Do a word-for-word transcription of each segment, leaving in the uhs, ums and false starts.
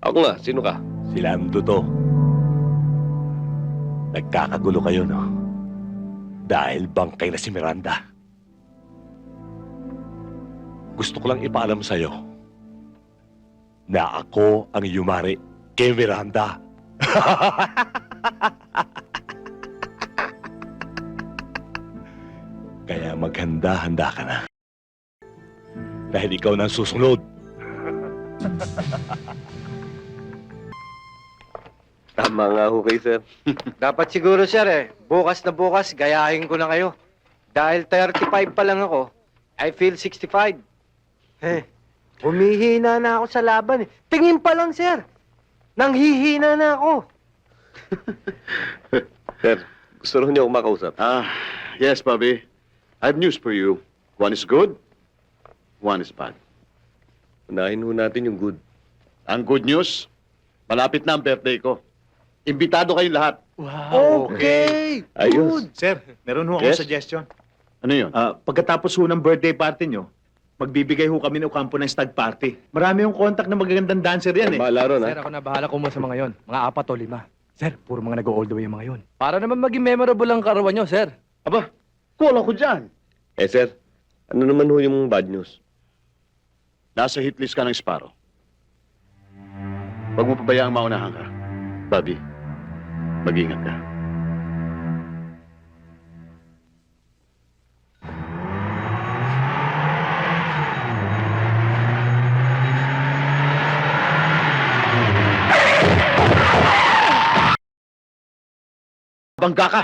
Ako nga, sino ka? Si Lando to. Nagkakagulo kayo, no? Dahil bangkay na si Miranda. Gusto ko lang ipaalam sa'yo na ako ang yumari kay Miranda. Kaya maghanda-handa ka na. Dahil ikaw na ang susunod. Tama nga ho kayo, sir. Dapat siguro, sir, eh. Bukas na bukas, gayahin ko na kayo. Dahil thirty-five pa lang ako, I feel sixty-five. Eh, humihina na ako sa laban, eh. Tingin pa lang, sir. Nanghihina na ako. Sir, gusto rin niyo akong makausap. Ah, yes, Bobby. I have news for you. One is good, one is bad. Unahin ho natin yung good. Ang good news, malapit na ang birthday ko. Imbitado kayong lahat. Okay. Ayos. Sir, meron ho akong Yes? suggestion. Ano yun? Ah, pagkatapos ho ng birthday party nyo, magbibigay ho kami ng kampo ng stag party. Marami yung contact na magagandang dancer yan eh. Bahala ron, Sir, ha? ako na bahala kumuha sa mga yon. Mga apat o lima. Sir, puro mga nag-all the way yung mga yon. Para naman maging memorable ang karawan nyo, sir. Aba, kulang ko dyan. Eh, sir, ano naman ho yung bad news? Nasa hit list ka ng Sparrow. Huwag mo pabayaang maunahan ka. Bobby, mag-ingat ka. Bangga ka!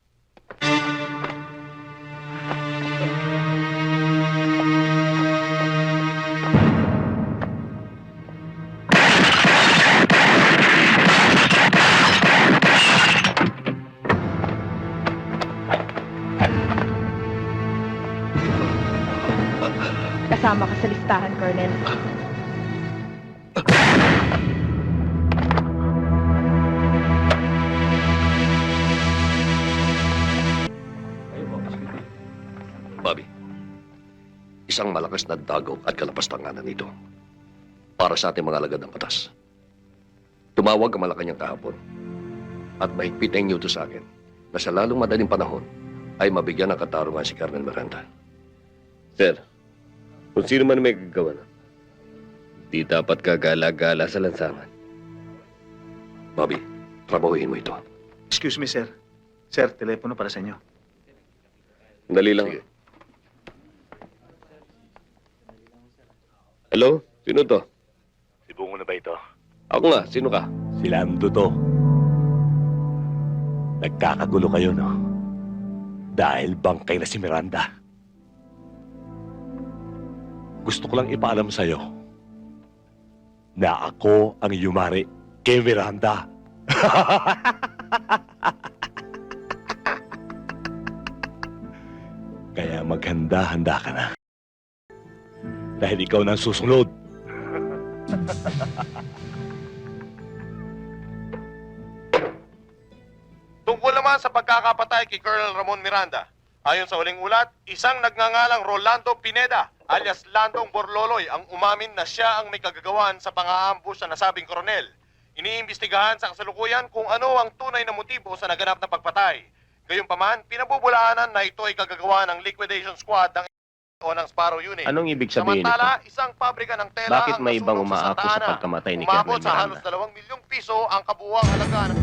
Kasama ka sa listahan, Colonel. Bobby, isang malakas na dagaw at kalapastanganan ito para sa ating mga alagad ng batas. Tumawag ang Malacanang kahapon at mahigpit ang inyuto sa akin na sa lalong madaling panahon ay mabigyan ng katarungan si Colonel Miranda. Sir, kung sino man may gagawa na, di dapat kagala-gala sa lansangan. Bobby, trabahuhin mo ito. Excuse me, sir. Sir, telepono para sa inyo. Dali lang. Sige. Hello? Sino to? Si Bungo na ba ito? Ako nga. Sino ka? Si Lando to. Nagkakagulo kayo, no? Dahil bangkay na si Miranda. Gusto ko lang ipaalam sa'yo na ako ang yumari kay Miranda. Kaya maghanda-handa ka na. Dahil ikaw na ang susunod. Tungkol naman sa pagkakapatay kay Colonel Ramon Miranda, ayon sa huling ulat, isang nagngangalang Rolando Pineda alias Landong Borloloy ang umamin na siya ang may kagagawan sa pang-aambush sa nasabing koronel. Iniimbestigahan sa kasalukuyan kung ano ang tunay na motibo sa naganap na pagpatay. Gayunpaman, pinabubulaanan na ito ay kagagawa ng liquidation squad ng o ng Sparrow Unit. Anong ibig sabihin Samantala, nito? isang pabrika ng tela Bakit ang may ibang nasunog sa umaako sa Santa Ana. pagkamatay ni Umabot Colonel sa halos Miranda? dalawang milyong piso ang kabuuang halaga ng...